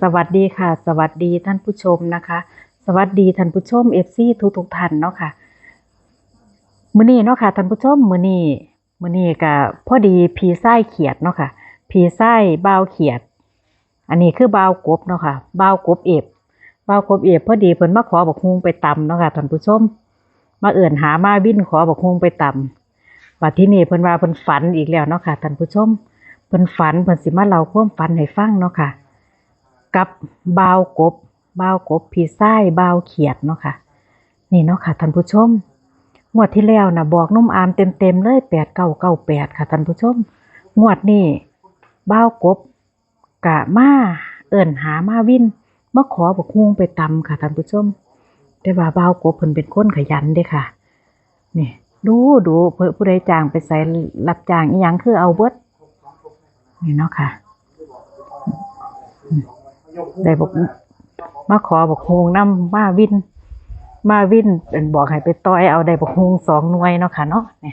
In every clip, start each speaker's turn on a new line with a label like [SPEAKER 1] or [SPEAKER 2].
[SPEAKER 1] วัสดีค่ะสวัสดีท่านผู้ชมนะคะสวัสดีท่านผู้ชม FC ทุกท่านเนาะค่ะมื้อนี้เนาะค่ะท่านผู้ชมมื้อนี้ก็พอดีพี่ชายเขียดเนาะค่ะพี่ชายบ่าวเขียดอันนี้คือบ่าวกบเนาะค่ะบ่าวกบเอฟบ่าวกบเอฟพอดีเพิ่นมาขอบักฮุงไปตำเนาะค่ะท่านผู้ชมมาเอิ้นหามาวินขอบักฮุงไปตำบัดทีนี้เพิ่นว่าเพิ่นฝันอีกแล้วเนาะค่ะท่านผู้ชมเพิ่นฝันเพิ่นสิมาเล่าความฝันให้ฟังเนาะค่ะกับบ่าวกบพี่ชายบ่าวเขียดเนาะค่ะนี่เนาะค่ะท่านผู้ชมงวดที่แล้วน่ะบอกนุ่มอามเต็มๆเลย8998ค่ะท่านผู้ชมงวดนี้บ่าวกบกะมาเอิ้นหามาวินมาขอบักฮุงไปตำค่ะท่านผู้ชมแต่ว่าบ่าวกบเพิ่นเป็นคนขยันเด้ค่ะนี่ดูเพิ่นผู้ใดจ้างไปใส่รับจ้างอีหยังคือเอาเบิดนี่เนาะค่ะได้บอกมาขอบักฮุงนำมาวินบอกให้ไปต่อยเอาได้บักฮุง2หน่วยเนาะค่ะเนาะนี่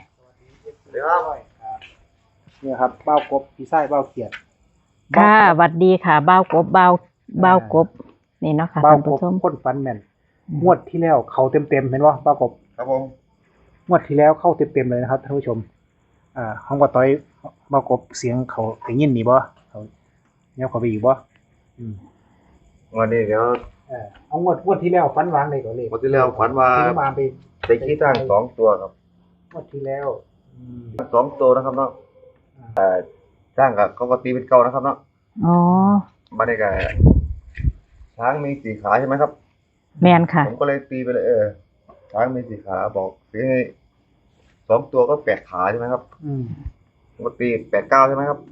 [SPEAKER 2] เนี่ยครับเบ้ากบพี่ไส้เบ้าเขียด
[SPEAKER 1] ค่ะสวัสดีค่ะบ่าวกบนี่เนาะค่ะ
[SPEAKER 2] เบ้า
[SPEAKER 1] ท่าน
[SPEAKER 2] ก
[SPEAKER 1] ผู้
[SPEAKER 2] บ
[SPEAKER 1] ชม
[SPEAKER 2] พ่นฟันแม่นงวดที่แล้วเขาเต็มเห็นว่าเบ้ากบ
[SPEAKER 3] ครับผม
[SPEAKER 2] งวดที่แล้วเข้าเต็มเลยนะครับท่านผู้ชมห้องว่าต้อยเบ้ากบเสียงเขาได้ยินนี่บ่เขาเนี่ยเขาไปอีกบ่
[SPEAKER 3] วันนี้เดี๋ยว
[SPEAKER 2] เอางวดที่แล้วฟันวางเลยก็เลย
[SPEAKER 3] วันที่แล้วฝันว่า
[SPEAKER 2] ที่มาไป
[SPEAKER 3] ไปขี้ตั้ง2 ตัวครับ
[SPEAKER 2] งวดที่แล้ว
[SPEAKER 3] 2 ตัวนะครับเนาะจ้างกับเขาก็ตีเป็นเก่านะครับเนาะ
[SPEAKER 1] อ๋อ
[SPEAKER 3] มาได้กับช้างมี4 ขาใช่ไหมครับ
[SPEAKER 1] แม่นค่ะ
[SPEAKER 3] ผมก็เลยตีไปเลยช้างมี4 ขาบอกตีให้2 ตัวก็8 ขาใช่ไหมครับผมก็ตี8 9ใช่ไหมครับ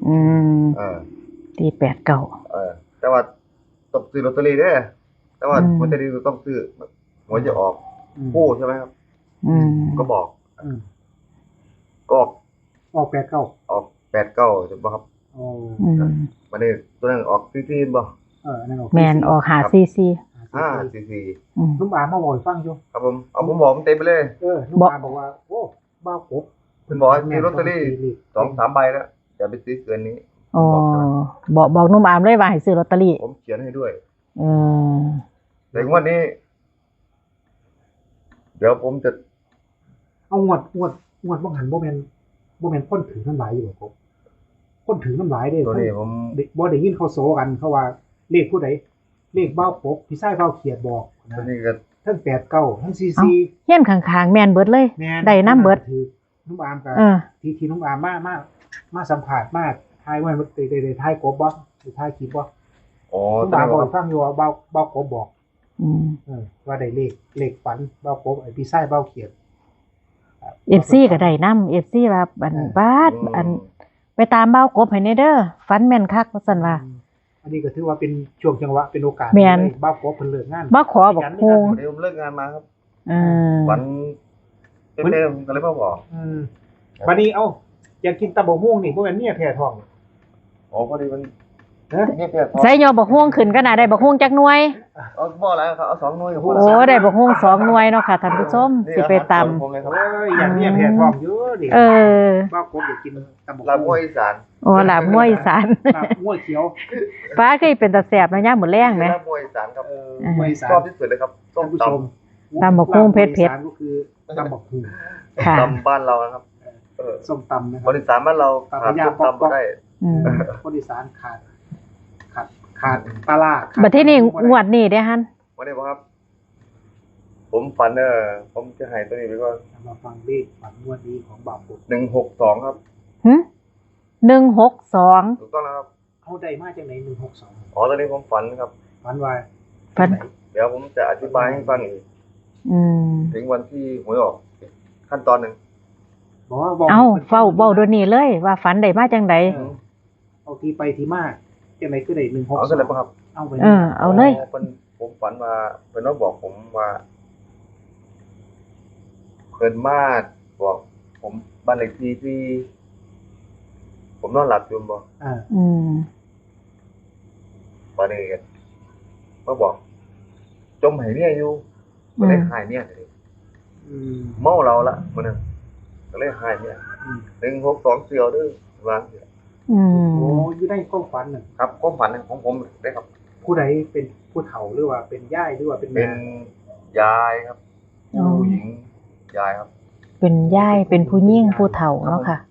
[SPEAKER 1] ตี8 9
[SPEAKER 3] แต่ว่าต้องซื้อลอตเตอรี่ด้วยแต่ว่าลอตเตอรี่ต้องซื้อหวยจะออกคู่ใช่ไหมครับก็บอกก็
[SPEAKER 2] ออก8 9
[SPEAKER 3] ออก8 9ใช่ป่ะครับวันนี้ตัวนั้นออกซีบ่
[SPEAKER 2] นั่นออก
[SPEAKER 1] แม่นออกหาซีซี
[SPEAKER 3] 5
[SPEAKER 2] ลุงอามาบอกฟังอยู่
[SPEAKER 3] ครับผมบอกมันเต็มไปเลย
[SPEAKER 2] ลุงอาบอกว่าโอ้เบ้ากบ
[SPEAKER 3] เพิ่นบอกให้ซื้อลอตเตอรี่2-3 ใบแล้วอย่าไปซื้อเกินนี้
[SPEAKER 1] อ๋อบอกนุ่มอามเลยว่าให้ซื้อลอตเตอรี่
[SPEAKER 3] ผมเขียนให้ด้วย
[SPEAKER 1] แต่
[SPEAKER 3] งวดนี้เดี๋ยวผมจะ
[SPEAKER 2] เอางวดบ่หันบ่แม่นคนถือน้ำลายอยู่บ่ครับคนถือน้ำลายเด้
[SPEAKER 3] ตัวนี้ผม
[SPEAKER 2] บ่ได้ยินเขาโซกันเขาว่าเลขผู้ใดเลขเบ้าปกพี่ชายเบ้าเขียดบอกนะ
[SPEAKER 3] ตัวนี้ก็
[SPEAKER 2] ทั้ง89ทั้ง44
[SPEAKER 1] เฮียนข้างๆแม่นเบิดเลยได้นำเบิด
[SPEAKER 2] ถือน้องอามก็ที่น้องอามมาสัมภาษณ์มาทายว่าได้ทายกบบ่ได้ทายคลิปบ่
[SPEAKER 3] อ๋อ
[SPEAKER 2] น้องอามบอกฟังอยู่ว่าเบ้ากบบอก ว่าได้เลขฝันเบ้ากบไอ้พี่ชายเบ้าเขียด
[SPEAKER 1] FC ก็ได้นำ FC ว่าอันไปตามเบ้ากบให้แน่เด้อฝันแม่นคักว่าซั่นว่า
[SPEAKER 2] อันนี้ก็ถือว่าเป็นช่วงจังหวะเป็นโอกาสเบ้ากบเพิ่นเลิกงาน
[SPEAKER 1] มาขอบักฮุง
[SPEAKER 3] เดี๋ยวผมเลิกงานมาครับวันเต็มก็เลยมาบอก
[SPEAKER 2] วันนี้อยากกินตำบักหุ่งนี่บ่แม่นเมียแพ้ท้อง
[SPEAKER 3] อ๋อพอดีมัน
[SPEAKER 1] ใส่ยอบักฮุงขึ้นก็น่าได้บักฮุงจักหน่วย
[SPEAKER 3] บ่แล้วครับเอา2 หน่วย
[SPEAKER 1] โอ้ได้บักฮุง2หน่วยเนาะค่ะท่านผู้ชมสิไปตำ
[SPEAKER 2] อยากเมียแพ้ท้องอยู่ดิบ้ากบอยากกินตำบักหุ่ง
[SPEAKER 3] ลาบมวยอีสาน
[SPEAKER 1] ลาบมวยอีสาน
[SPEAKER 2] ลาบมวยเขียว
[SPEAKER 1] ฟ้าเคยเป็นตาแซ่บนะยามมื้อแลงมั้ย
[SPEAKER 3] ลาบมวยอีสานครับ
[SPEAKER 2] มวยอีสาน
[SPEAKER 3] ชอบที่สุดเลยครับส้ม
[SPEAKER 1] ตำบักหุ่งเผ็ด
[SPEAKER 2] ก็คือตำบักหุ่ง
[SPEAKER 3] ตำบ้านเรานะครับ
[SPEAKER 2] ส้มตำนะครับ
[SPEAKER 3] คนอีสานบ้านเราขาดส้มตำบ่ได้
[SPEAKER 2] คนอีสานขาดปลาร้า
[SPEAKER 1] บัดทีนี้งวดนี้เด้หั่น
[SPEAKER 3] วันนี้บ่ครับผมฝันผมจะให้ตัวนี้ไปก่อน
[SPEAKER 2] มาฟังเลขฝันงวดนี้ของบ่าวกบ
[SPEAKER 3] 162ครับ
[SPEAKER 1] 162
[SPEAKER 3] ถูกต้องแล้วครับ
[SPEAKER 2] เฮาได้มาจากไหน162
[SPEAKER 3] อ๋อตอนนี้ผมฝันครับ
[SPEAKER 2] ฝันว่า
[SPEAKER 3] เดี๋ยวผมจะอธิบายให้ฟังอีกถึงวันที่หวยออกขั้นตอนนึง
[SPEAKER 1] เฝ้าเดี๋ยวนี้เลยว่าฝันได้มาจังได๋
[SPEAKER 2] เอาที่ไปที่มาจังได๋คือได้162
[SPEAKER 3] เอาซั่นเลยบ่ครับ
[SPEAKER 2] เอาไป
[SPEAKER 1] เอาเลย
[SPEAKER 3] ผมฝันว่าเพิ่นมาบอกผมว่าเพิ่นมาบอกผมบ้านเลขที่ผมนอนหลับอยู่บ่วันนี้ก็มาบอกจมให้เมียอยู่ก็เลยหายเมียเลยเมาเราละมื้อนั้นก็เลยหายเมีย162เสี่ยวเด้อวางเสีย
[SPEAKER 2] โอ้อยู่ได้ความฝันน่ะ
[SPEAKER 3] ครับความฝันของผมได้ครับ
[SPEAKER 2] ผู้ใดเป็นผู้เฒ่าหรือว่าเป็นย่ายหรือว่าเป็น
[SPEAKER 3] เป็น
[SPEAKER 2] แม่
[SPEAKER 3] ยายครับ
[SPEAKER 1] อ๋อ
[SPEAKER 3] ผู้หญิงยายครับ
[SPEAKER 1] เป็นย่ายเป็นผู้หญิงผู้เฒ่าเนาะค่ะ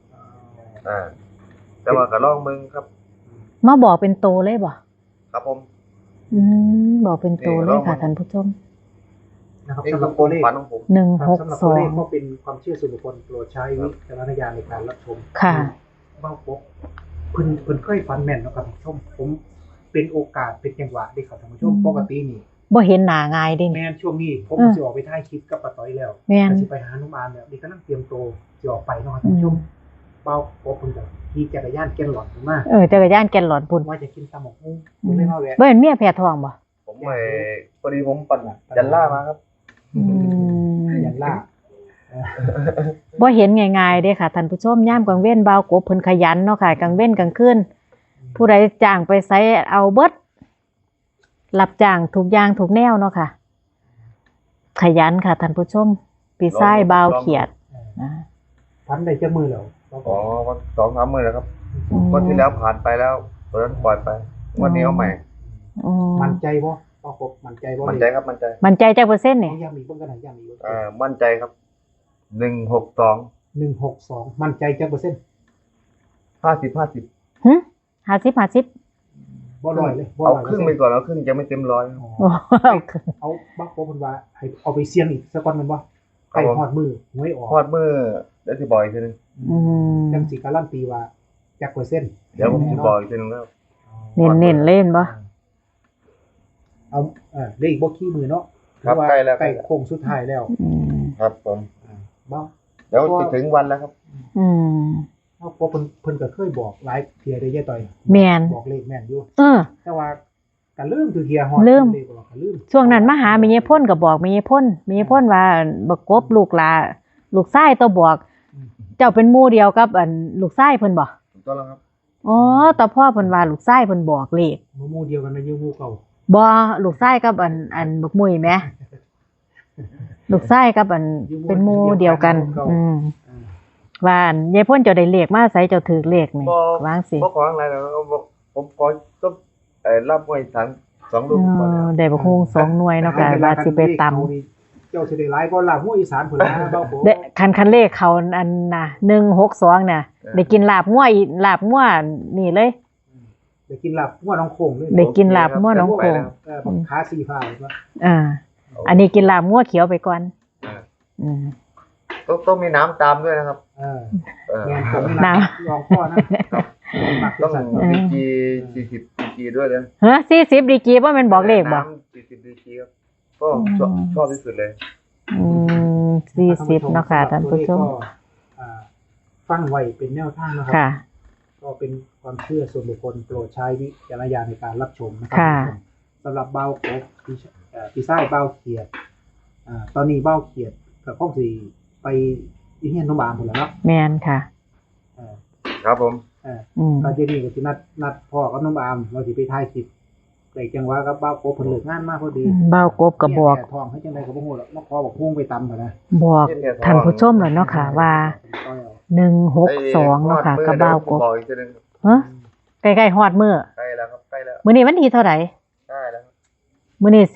[SPEAKER 3] แต่ว่าก็ลองมึงครับ
[SPEAKER 1] มาบอกเป็นโตเลยบ่
[SPEAKER 3] ครับผม
[SPEAKER 1] บอกเป็นโตเลยค่ะท่านผู้ชม
[SPEAKER 2] นะครับ
[SPEAKER 3] นี่
[SPEAKER 2] สำห
[SPEAKER 3] คื
[SPEAKER 2] รั
[SPEAKER 3] อบ ค
[SPEAKER 2] ตัว
[SPEAKER 3] วาม
[SPEAKER 2] เลข
[SPEAKER 3] ฝันของผม
[SPEAKER 1] หนึ่ง
[SPEAKER 2] ครับ
[SPEAKER 1] หก
[SPEAKER 2] สำหรับ
[SPEAKER 1] ส
[SPEAKER 2] ตัว
[SPEAKER 1] อ
[SPEAKER 2] เล
[SPEAKER 1] ง
[SPEAKER 2] ขก็เป็นความเชื่อส่วนบุคคลโปรดใช้วิจารณญาณในการรับชม
[SPEAKER 1] ค่ะ
[SPEAKER 2] เบ้าปกเพิ่นเคยฝันแม่นเนาะครับท่านผู้ชมผมเป็นโอกาสเป็นจังหวะที่ครับท่านผู้ชมปกตินี่
[SPEAKER 1] บ่เห็นหน้าง่ายเด้
[SPEAKER 2] แม่
[SPEAKER 1] นี่
[SPEAKER 2] นช่วงนี้ผมสิออกไปถ่ายคลิปกับป้าต้อยแล้ว
[SPEAKER 1] แม่น
[SPEAKER 2] ก็สิไปหานุ่มอามแล้วนี่กำลังเตรียมตัวสิออกไปเนาะครับท่านผู้ชมเบ้าปกเพิ่นก็ขี่จักรยานแก่นหลอนขึ้นมา
[SPEAKER 1] จักรยานแกนหลอนพุ่น
[SPEAKER 2] ว่าจะกินตำบักหุ่งผมเลยมาแวะ
[SPEAKER 1] บ่เห็นเมียแพ้ท้องบ่
[SPEAKER 3] ผมไปพอดีผมปั่นยันล่ามาครับ
[SPEAKER 2] ยันล่า
[SPEAKER 1] บ่เห็นง่ายๆเด้ค่ะท่านผู้ชมยามกลางเว้นบ่าวกบเพิ่นขยันเนาะค่ะกลางเว้นกลางคืนผู้ใดจ้างไปไสเอาเบิดรับจ้างทุกอย่างทุกแนวเนาะค่ะ ขยันค่ะท่านผู้ชมปีซ้ายบ่าวเขียดนะ
[SPEAKER 2] ฝันได้จักมือแล้วเบ้าป
[SPEAKER 3] อ๋อก วัน2-3 มื้อแล้วครับ
[SPEAKER 1] อืม
[SPEAKER 3] วันที่แล้วผ่านไปแล้วตอนนั้นปล่อยไป วันนี้เอาใหม่
[SPEAKER 1] อืม
[SPEAKER 2] มั่นใจบ่เบ้าปกมั่นใจบ่
[SPEAKER 3] มั่นใจครับมั่นใจ
[SPEAKER 1] มันใจจักเปอร์เซ็นต์
[SPEAKER 2] นี่
[SPEAKER 1] นี่
[SPEAKER 2] ย้ำอีกเบิ่งกันหน่อยย้ำอีกเบิ่ง
[SPEAKER 3] มั่นใจครับ162
[SPEAKER 2] 162มั่นใจจักเปอร์เซ็นต์
[SPEAKER 3] 50
[SPEAKER 1] หึ50
[SPEAKER 2] บ่ร้อยเลยบ่
[SPEAKER 3] เอา
[SPEAKER 2] ร้อย
[SPEAKER 3] ครึ่งไปก่อนเอาครึ่งจะไม่เต็มร้อย
[SPEAKER 2] อ๋อ
[SPEAKER 1] โอ้
[SPEAKER 2] เอาบักโปเพิ่นว่าให้เอาไปเสี่ยงอีกสักก่อนแม่นบ่ไปฮอดมือหวยออก
[SPEAKER 3] ฮอดมือแล้วสิบอกอีกทีนึง
[SPEAKER 1] อืม
[SPEAKER 2] จังสิการันตีว่าจักเปอร์เซ็นต์
[SPEAKER 3] เดี๋ยวผมสิบอกอีกทีนึงแล้ว
[SPEAKER 1] เน้นๆเล่นบ่
[SPEAKER 2] เอาได้อีกบ่ขี้มือเนาะ
[SPEAKER 3] ครับ
[SPEAKER 2] ถือว่า
[SPEAKER 3] ใกล้แล้ว
[SPEAKER 2] ใกล้โค้งสุดท้ายแล้ว
[SPEAKER 1] อืม
[SPEAKER 3] ครับผม
[SPEAKER 2] บ่
[SPEAKER 3] เดี๋ยวจะถึงวันแล้วครับ
[SPEAKER 1] อืม
[SPEAKER 2] เอาเพราะเพิ่นก็เคยบอกหลายเที่ยได้ยายต่อย
[SPEAKER 1] แม่น
[SPEAKER 2] บอกเลขแม่นอยู่
[SPEAKER 1] เออ
[SPEAKER 2] แต่ว่าก็ลืมทุกเที่ยฮอด
[SPEAKER 1] ลืม
[SPEAKER 2] เลขบอกก็ลืม
[SPEAKER 1] ช่วงนั้นมาหาแม่ยายพ่นก็บอกแม่ยายพ่นว่าบักกบลูกหลาลูกชายตัวบอก เจ้าเป็นหมู่เดียวกับลูกชายเพิ่นบ่
[SPEAKER 3] ถูกต้องแล้วครับ
[SPEAKER 1] อ๋อแต่พ่อเพิ่นว่าลูกชายเพิ่นบอกเลข
[SPEAKER 2] หมู่เดียวกันนะอยู่หมู่เก่า
[SPEAKER 1] บ่ลูกชายกับบักมุ้ยแหมลูกชายกับเป็นหมู่เดียวกัน อืม
[SPEAKER 2] อ่า
[SPEAKER 1] ว่าอันยายพ่นเจ้าได้เลขมาใส่เจ้าถือเลขนี่
[SPEAKER 3] บ่
[SPEAKER 1] วางสิ
[SPEAKER 3] บ่ขออะไรแล้วผมขอก็รับไว้2 ลูกก่อนแล้ว
[SPEAKER 1] ได้บักฮุง2หน่วยเนาะค่ะว่าสิไปตำ
[SPEAKER 2] เจ้าสิได้หลายกว่าลาบหัวอีสานพุ่นนะเบ้าโป
[SPEAKER 1] ได้คันเลขเขาอันน่ะ162น่ะได้กินลาบงัวอีลาบงัวนี่เลย
[SPEAKER 2] ได้กินลาบหัวน้องโขงเลย
[SPEAKER 1] ได้กินลาบงัวน้องโขง
[SPEAKER 2] บักขาสีฟ้าเลยว่า
[SPEAKER 1] อ่าอันนี้กินลาบงัวเขียวไปก่อน
[SPEAKER 3] อ่า
[SPEAKER 1] อืม
[SPEAKER 3] ต้องมีน้ำตามด้วยนะครับ
[SPEAKER 2] เออ
[SPEAKER 3] เออ
[SPEAKER 2] แม่นผมนี่
[SPEAKER 1] น้
[SPEAKER 2] นะลองพ่อนะมัก
[SPEAKER 3] ต้อง
[SPEAKER 2] สั่น
[SPEAKER 3] ดีกี40ดีกีด้วยนะ
[SPEAKER 1] ฮะ40ดีกรีบ่แม่นบอกเลขบ่
[SPEAKER 3] น้ำ40ดีกีครับก็ชอบที่สุดเลย
[SPEAKER 1] อืม40เนาะค่ะท่านผู้ชม
[SPEAKER 2] ก็ฟังไว้เป็นแนวทางนะครั
[SPEAKER 1] ค่ะ
[SPEAKER 2] ก็เป็นความเชื่อส่วนบุคคลโปรดใช้วิจารณญาณในการรับชมนะครั
[SPEAKER 1] ค่ะ
[SPEAKER 2] สำหรับเบ้าโกปีไส้เบ้าเขียดตอนนี้เบ้าเขียดกับข้องสีไปยี่เฮียนน้องบามหมดแล้วเนาะ
[SPEAKER 1] แม่นค่ะ
[SPEAKER 2] เอ่อ
[SPEAKER 3] ครับผม
[SPEAKER 1] อืม
[SPEAKER 2] ก็เจนี่ก็สินัดพ่อกับน้องบามเราสิไปถ่ายคลิปแต่จังหวะกับเบ้าโกเพิ่นเลิกงานมาพอดี
[SPEAKER 1] เบ้ากบก็บอก
[SPEAKER 2] เนี่ยทองให้จังไดก็บ่ฮู้หรอกมาขอบอกพุ่งไปตำหั่นนะ
[SPEAKER 1] บอกท่านผู้ชมแล้วเนาะค่ะว่า162เนาะค่ะกับเบ้ากบ
[SPEAKER 3] บอกอีกทีนึง
[SPEAKER 1] ฮะใกล้ๆฮอดมื้อ
[SPEAKER 3] ใกล้แล้วครับใกล้แล้ว
[SPEAKER 1] มื้อนี้วันที่เท่าไหร่
[SPEAKER 3] ใกล้แล้วครับ
[SPEAKER 1] มื้อนี้12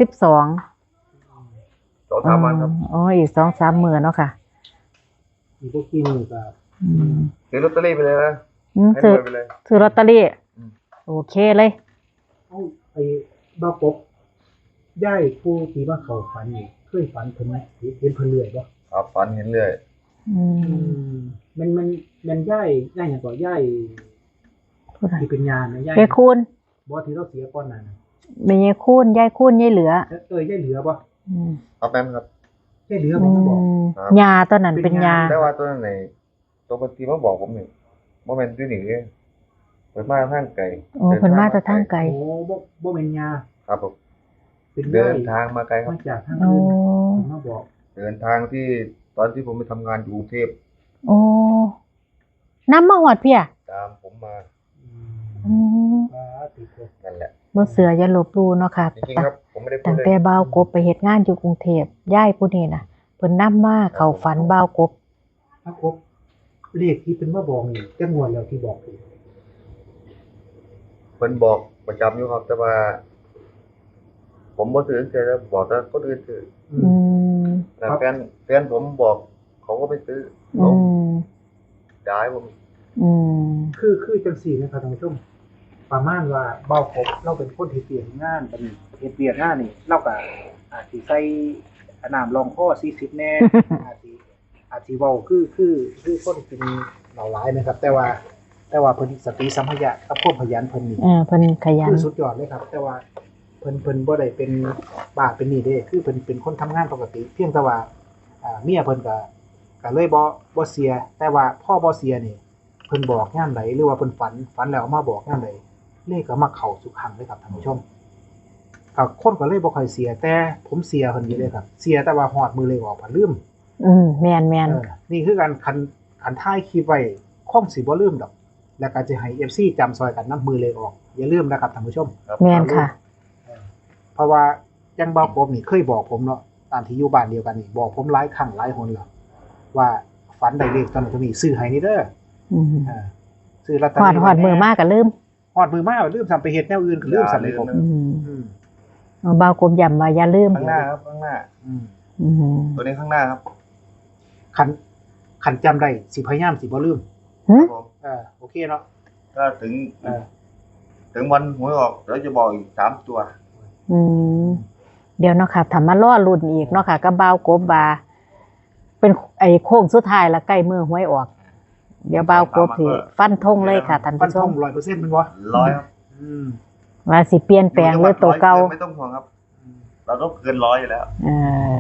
[SPEAKER 3] 2-3 วันครับ
[SPEAKER 1] อ๋ออีก 2-3 มื้อเนาะค่ะ
[SPEAKER 2] อีกพวกขี้มือก็
[SPEAKER 1] อืม
[SPEAKER 3] ซื้อลอตเตอรี่ไปเลยนะให้ร
[SPEAKER 1] ซื้อ
[SPEAKER 3] วยไปเลย
[SPEAKER 1] ซื้อลอตเตอรี่
[SPEAKER 3] อืม
[SPEAKER 1] โอเคเลย
[SPEAKER 2] เอ้าไอ้เบ้ากบย้ายผู้ที่มาเข้าฝันนี่เคยฝันเพิ่นไหมเห็นเพิ่นเรื่อยบ่
[SPEAKER 3] ครับฝันเห็นเรื่อย
[SPEAKER 1] อืม
[SPEAKER 2] มันย้ายหยังก็ย้าย
[SPEAKER 1] ผู้ใด
[SPEAKER 2] ที่เป็นญาณนะย้าย
[SPEAKER 1] ยายคูณ
[SPEAKER 2] บ่ที่เราเสียก่อนหน้านั้น
[SPEAKER 1] แม่ยายคูณยายคูณยายเหลือ
[SPEAKER 2] ย้ายเหลือบ่
[SPEAKER 1] อืม
[SPEAKER 3] ครับแม่นครับ
[SPEAKER 2] ย้ายเหลือบ่มาบอก
[SPEAKER 3] ครับ
[SPEAKER 1] ยาตอนนั้นเป็นยา
[SPEAKER 3] แต่ว่าตัวนั้นไหนตัวปฏิมาบอกผมนี่บ่แม่นอยู่นี่เด้เปิดมาทางไกล
[SPEAKER 1] โอ้เพิ่นมาแต่ทางไกล
[SPEAKER 2] โอ้บ่แม่นญา
[SPEAKER 3] ครับผม
[SPEAKER 2] เป็น
[SPEAKER 3] เดิ
[SPEAKER 2] ย้าย
[SPEAKER 3] นทางมาไกลครับ
[SPEAKER 2] มาจากทาง
[SPEAKER 1] โอ้
[SPEAKER 2] อื่นเพิ่นมาบอก
[SPEAKER 3] เดินทางที่ตอนที่ผมไปทำงานอยู่กรุงเทพ
[SPEAKER 1] โอ้นำมาฮอดเพีย
[SPEAKER 3] ตามผมมา
[SPEAKER 1] อืม
[SPEAKER 2] ว่าติดตัว
[SPEAKER 3] นั่นแหละ
[SPEAKER 1] บ่เสืออย่าลบหลู่เนาะค่ะ
[SPEAKER 3] จริงๆครับผมไม่ได้พู
[SPEAKER 1] ตั้
[SPEAKER 3] ด
[SPEAKER 1] ง
[SPEAKER 3] เลย
[SPEAKER 1] แต่บ่าวกบไปเฮ็ดงานอยู่กรุงเทพยายผู้นี้น่ะเพิ่นนำมาเข้าฝันบ่าวกบ
[SPEAKER 2] ถ้าครบเลขที่เป็นมาบอกนี่จังหวดแล้วที่บอกคือ
[SPEAKER 3] เพิ่นบอกประจำอยู่ครับแต่ว่า ผมบ่ซื้อเสียแล้วบอกแต่คนอื่นซื้อ
[SPEAKER 1] อืม
[SPEAKER 3] แต่แฟนผมบอก เขาก็ไม่ซื้อ
[SPEAKER 1] อื
[SPEAKER 3] เขา
[SPEAKER 1] ม
[SPEAKER 3] ย้ายผม
[SPEAKER 1] อืม
[SPEAKER 2] คือจังสี่นะครับท่านผู้ชมประมาณว่าเบาครบเราเป็นคนที่เปลี่ยนงานเป็นเฮ็ดเปลี่ยนงานนี่เราก็อาจสิใส่น้ำรองคอ40แน่ อาจสิเว้าคือคนกินเหล้าหลายนะครับ แต่ว่าเพิ่นสติสัมปชัญญะกับความขยันเพิ่นนี่
[SPEAKER 1] เพิ่นขยัน
[SPEAKER 2] คือสุดยอดเลยครับ แต่ว่าเพิ่นบ่ได้เป็นบ้าเป็นนี่เด้คือเพิ่นเป็นคนทำงานปกติ เพียงแต่ว่าเมียเพิ่นก็เลยบ่เสีย แต่ว่าพ่อบ่เสียนี่เพิ่นบอกยามใดหรือว่าเพิ่นฝันแล้วเอามาบอกยามใดเลขก็มาเข้าทุกครั้งเลยครับท่านผู้ชมก็คนก็เลยบ่ค่อยเสีย แต่ผมเสียเพิ่นอยู่เลยครับ เสียแต่ว่าฮอดมือเลขออกเพิ่นลืม
[SPEAKER 1] แม่น
[SPEAKER 2] นี่คือการคันท้ายคลิปไว้คงสิบ่ลืมดอก แล้วก็จะให้ FC จำซอยกันนํมือเลขออกอย่าลืมนะครับท่านผู้ชม
[SPEAKER 3] ครับ
[SPEAKER 1] แม่นค่ะ
[SPEAKER 2] เพราะว่ายังเบาผมนี่เคยบอกผมเนาะตามที่อยู่บ้านเดียวกันนี่บอกผมหลายครั้งหลายหนแล้วว่าฝันได้เลขตอนนี้ซื้อให้นี่เด้อ
[SPEAKER 1] อืม
[SPEAKER 2] อ่าซื้อลอตเตอ
[SPEAKER 1] หอด
[SPEAKER 2] รี่
[SPEAKER 1] หอดมือมากก็ลืม
[SPEAKER 2] ฮอดมือมาลืมทำไปเฮ็ดแนวอื่นก็ลืมสั่นเลยผม อืม
[SPEAKER 1] เบากลมย่ำว่าอย่าลืม
[SPEAKER 3] ข้างหน้าครับข้างหน้า
[SPEAKER 2] อืม
[SPEAKER 1] อืม
[SPEAKER 3] ตัวนี้ข้างหน้าครับ
[SPEAKER 2] คันจำได้สิพยายามสิบ่ลืม
[SPEAKER 1] หึ
[SPEAKER 3] ครับผม
[SPEAKER 2] โอเคเนาะ
[SPEAKER 3] ถ้าถึง
[SPEAKER 2] เออ
[SPEAKER 3] ถึงวันหวยออกเดี๋ยวจะบอกอีก3 ตัว
[SPEAKER 1] อืมเดี๋ยวเนาะค่ะทำมาล่อรุ่นอีกเนาะค่ะกับเบากบว่าเป็นไอ้โค้งสุดท้ายละใกล้มือหวยออก เดี๋ยวเบากบสิฟันธงเลยค่ะท่าน
[SPEAKER 2] ฟัน
[SPEAKER 1] ผู้ช
[SPEAKER 2] ธ
[SPEAKER 1] ม
[SPEAKER 2] ง 100%มันบ่
[SPEAKER 3] 100ครับ
[SPEAKER 2] อืม
[SPEAKER 1] ว่าสิเปลี่ยนแปลงหรือตัวเก่า
[SPEAKER 3] ไม่ต้องห่วงครับ เราต้องเกิน100อยู่แล้ว
[SPEAKER 1] เออ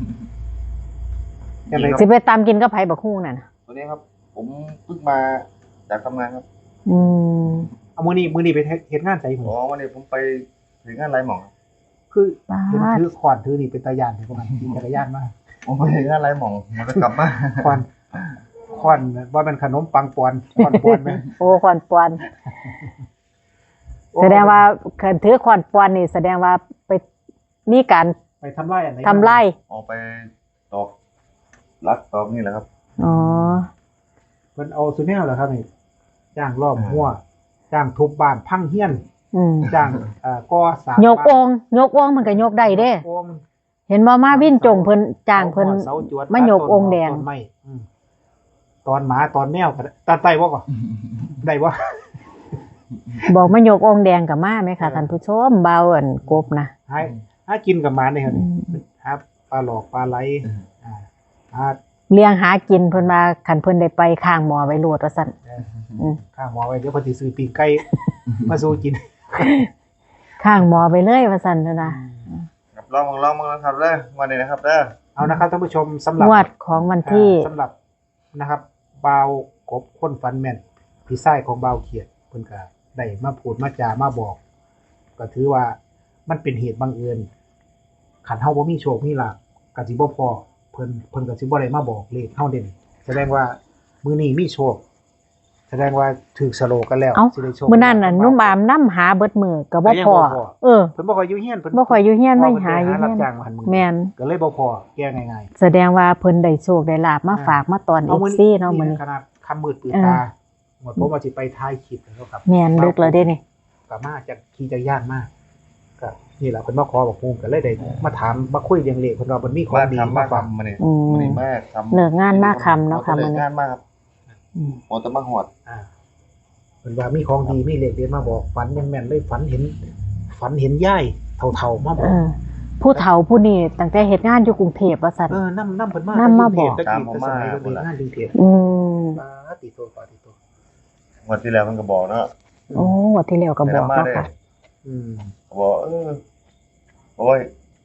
[SPEAKER 2] จังได๋
[SPEAKER 1] สิไปตามกินกับไผบักฮู้นั่นน่ะ
[SPEAKER 3] ตัวนี้ครับ ผมเพิ่งมาจากทำงานครับ
[SPEAKER 1] อืม
[SPEAKER 2] เอามื้อนี้ไปเฮ็ดงานไสผม
[SPEAKER 3] อ๋อวันนี้ผมไปถึงงานไรหมองครับ
[SPEAKER 2] คือเห็นถือขวานถือนี่เป็นตาย่านให้พวกมันขี่จักรยานมา
[SPEAKER 3] ผมไปถึงงานไรหมองมันจะกลับมา
[SPEAKER 2] ควันว่าเป็นขนมปังปอนควันปอนไหม
[SPEAKER 1] โอ้ขอนปอนแสดงว่าคันถือขอนปอนนี่แสดงว่าไปมีการ
[SPEAKER 2] ไปทำลายอันไหน
[SPEAKER 1] ทำไร่
[SPEAKER 3] ออกไปตอกรักตอกนี่แหละครับ
[SPEAKER 1] อ๋อ
[SPEAKER 2] มันเอาสุดแนวเหรอครับนี่จ้างรอบหัวจ้างทุบบ้านพังเฮียน
[SPEAKER 1] อืม
[SPEAKER 2] จ้างก่อสร้าง
[SPEAKER 1] ยกองค์มันก็ยกได้เด้
[SPEAKER 2] โอ่ง
[SPEAKER 1] เห็นบ่มาวินจงเพิ่นจ้างเพิ่น
[SPEAKER 2] เสาจวด
[SPEAKER 1] มายกองค์แดง
[SPEAKER 2] ต้นไม้ตอนหมาตอนแมวก็ได้ตัดไตบ่ก่อนได้บ่
[SPEAKER 1] บอกมายกองค์แดงก็มาไหมคะท่านผู้ชมเบาอันกบนะ
[SPEAKER 2] หากินกับหมาเนี่ยครับ
[SPEAKER 1] อืม
[SPEAKER 2] หาปลาหลอกปลาไหลหา
[SPEAKER 1] เลี้ยงหากินเพิ่นมาคันเพิ่นได้ไปข้างหมอไว้โลดว่าซั่น อืม
[SPEAKER 2] ข้างหมอไว้เดี๋ยวเพิ่นสิซื้อปีกไก่มาสู้กิน
[SPEAKER 1] ข้างหมอไปเลยว่าซั่นเด้อนะ
[SPEAKER 3] ครับลองมาครับเด้อวันนี้นะครับเด้อ
[SPEAKER 2] เอานะครับท่านผู้ชมสำหรับ
[SPEAKER 1] งวดของวันที่
[SPEAKER 2] สำหรับนะครับบาวกบคนฟันแม่นพี่ไส้ของบาวเขียดเพิ่นก็ได้มาพูดมาจามาบอก ก็ถือว่ามันเป็นเหตุบังเอิญขันเฮาบ่มีโชคมีลาภก็สิบ่พอเพิ่นก็สิบ่ได้มาบอกเลขเฮาเด่นแสดงว่ามื้อนี้มีโชค แสดงว่าถูกสโลกันแล้ว
[SPEAKER 1] เอ้า
[SPEAKER 2] สิได้โชค
[SPEAKER 1] มื้อนั้นน่ะนุ่มอามนำหาเบิดมือก็บ่
[SPEAKER 2] ก็ยัง
[SPEAKER 1] พอ
[SPEAKER 2] บ่พอ
[SPEAKER 1] เออ
[SPEAKER 2] เพิ่นบ่ค่อยอยู่เฮียนเพิ่น
[SPEAKER 1] บ่ค่อยอยู่เฮียนไม่หาอยู่
[SPEAKER 2] รั
[SPEAKER 1] เฮี
[SPEAKER 2] บ
[SPEAKER 1] ยน
[SPEAKER 2] จ้างมาหันมือ
[SPEAKER 1] แม่น
[SPEAKER 2] ก็เลยบ่พอแก้ง่าย
[SPEAKER 1] แสดงว่าเพิ่นได้โชคได้ลาบมาฝากมาตอน
[SPEAKER 2] ๆเอามื้อ
[SPEAKER 1] FC เนาะมื้อนี้
[SPEAKER 2] ขนาดค่ำมืดปืน
[SPEAKER 1] เออ
[SPEAKER 2] ตาหมดผมว่าสิไปถ่ายคลิปแล้วครับ
[SPEAKER 1] แม่นดึกแล้วเด้นี่
[SPEAKER 2] ก็มาจากขี่จักรยานมาก็นี่แหละเพิ่นมาขอบอกฮู้ก็เลยได้มาถามมาคุยเรื่องเลขเพิ่นว่ามันมีของ
[SPEAKER 3] มา
[SPEAKER 2] ดี
[SPEAKER 3] ทำ
[SPEAKER 2] มา
[SPEAKER 3] มา
[SPEAKER 2] ฝาก
[SPEAKER 3] ทำมาเนี่ย
[SPEAKER 1] อืม
[SPEAKER 3] วันนี้มาทำ
[SPEAKER 1] เลิกงานมาค่ำเนาะค่ะมื้อ
[SPEAKER 3] เลิก
[SPEAKER 1] นี้
[SPEAKER 3] งานมากครับ
[SPEAKER 1] อืม
[SPEAKER 3] โอ้แต่มาหอด
[SPEAKER 2] อ่าเพิ่นว่ามีของดีมีเลขเด็ดมาบอกฝันยังแม่นเลยฝันเห็นยายเฒ่าๆมาบ
[SPEAKER 1] เอ
[SPEAKER 2] อก
[SPEAKER 1] อผู้เฒ่าผู้นี้ตั้งแต่เฮ็ดงานอยู่กรุงเทพว่าซั่น
[SPEAKER 2] นำเพิ่นมา
[SPEAKER 1] นำมาบอก
[SPEAKER 2] ตะกี้แต่สมัยเพิ่นเฮ็ดงานกรุงเทพ
[SPEAKER 1] อืม
[SPEAKER 2] ปาติโต
[SPEAKER 3] วันที่แล้วมันก็บอกเนาะ
[SPEAKER 1] โอ้งวดที่แล้วก็บอก
[SPEAKER 3] มา
[SPEAKER 1] เนาะ
[SPEAKER 3] ได้
[SPEAKER 1] ค่ะ
[SPEAKER 2] อืม
[SPEAKER 3] บอกโอ้ย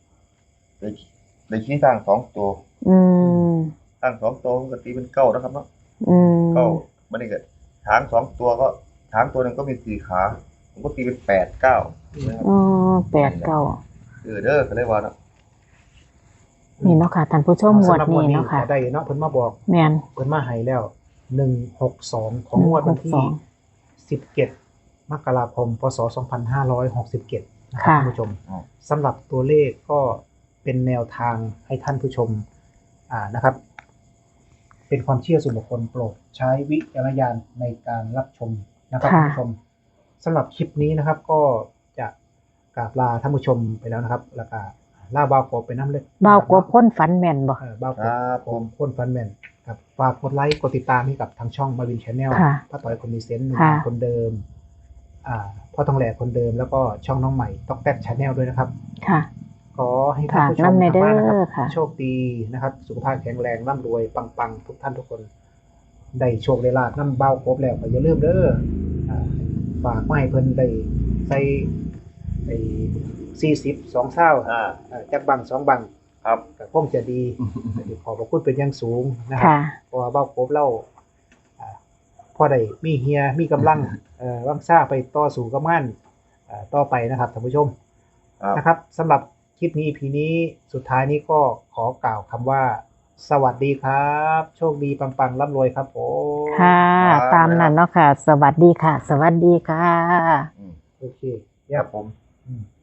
[SPEAKER 3] ได้ขี้สร้าง2 ตัว
[SPEAKER 1] อืม
[SPEAKER 3] สร้าง2 ตัวมันก็ตีเป็น9นะครับเนาะ
[SPEAKER 1] อืม
[SPEAKER 3] 9มันนี่ก็ช้าง2 ตัวก็ช้างตัวหนึงก็มี4 ขาผมก็ตีเป็น8 9นะครับ
[SPEAKER 1] อ๋อ8 9
[SPEAKER 3] เด้อก็เลยว่าเนาะ
[SPEAKER 1] นี่เนาะค่ะท่านผู้ชมงวดนี้เนาะค่ะ
[SPEAKER 2] ได้เนาะเพิ่นมาบอก
[SPEAKER 1] แม่น
[SPEAKER 2] เพิ่นมาให้แล้ว162ของงวดวันที่ 17 มกราคม พศ 2567 นะครับ
[SPEAKER 1] ค่ะ
[SPEAKER 2] ท่านผู้ชมสำหรับตัวเลขก็เป็นแนวทางให้ท่านผู้ชมนะครับ เป็นความเชื่อส่วนบุคคลโปรดใช้วิจารณญาณในการรับชมนะครับท่านผู้ชมสำหรับคลิปนี้นะครับ ก็จะกราบลาท่านผู้ชมไปแล้วนะครับ แล้วก็ลาบ่าวกบไปน้ำเล็ก
[SPEAKER 1] บ่าวกบพ้นฝันแม่นบ่
[SPEAKER 2] บ่าวก
[SPEAKER 3] ครับ บ
[SPEAKER 2] ผมคนฟันแมนครับฝากกดไลค์กดติดตามให้กับทางช่องมาวินชาแนล
[SPEAKER 1] ค่ะ
[SPEAKER 2] ป้าต่อยคนมีเซนต์หนุ่ม
[SPEAKER 1] ค่ะ
[SPEAKER 2] คนเดิมพ่อทองแหล่คนเดิมแล้วก็ช่องน้องใหม่ต๊อกแต๊กชาแนลด้วยนะครับ
[SPEAKER 1] ค่ะ
[SPEAKER 2] ขอให้ท่านผู้ชม
[SPEAKER 1] ฝากนำใน
[SPEAKER 2] ทางบ้านนะครั
[SPEAKER 1] เด้อค่ะ
[SPEAKER 2] โชคดีนะครับ สุขภาพแข็งแรงร่ำรวยปังๆทุกท่านทุกคน ได้โชคได้ลาภน้ำเบาครบแล้วก็อย่าลืมเด้อฝากมาให้เพิ่นได้ใส่ไอ้42เศร้าจักบัง2บัง
[SPEAKER 3] ครับ
[SPEAKER 2] ก็คงจะดีขอบพระคุณเป็นอย่างสูงนะครั
[SPEAKER 1] ค่ะ
[SPEAKER 2] เพราะว่าเบ้าครบเล่าพอได้มีเฮียมีกำลังวังซ่าไปต่อสู่กับงานต่อไปนะครับท่านผู้ชม
[SPEAKER 3] ครับ
[SPEAKER 2] นะครับสำหรับคลิปนี้ EP นี้สุดท้ายนี้ก็ขอกล่าวคำว่า สวัสดีครับ โชคดีปังๆร่ำรวยครับผม
[SPEAKER 1] ค่ะ ตามนั้นเนาะค่ะ สวัสดีค่ะ สวัสดีค่ะ
[SPEAKER 3] อืม
[SPEAKER 2] โอเค
[SPEAKER 3] ครับผม
[SPEAKER 2] อืม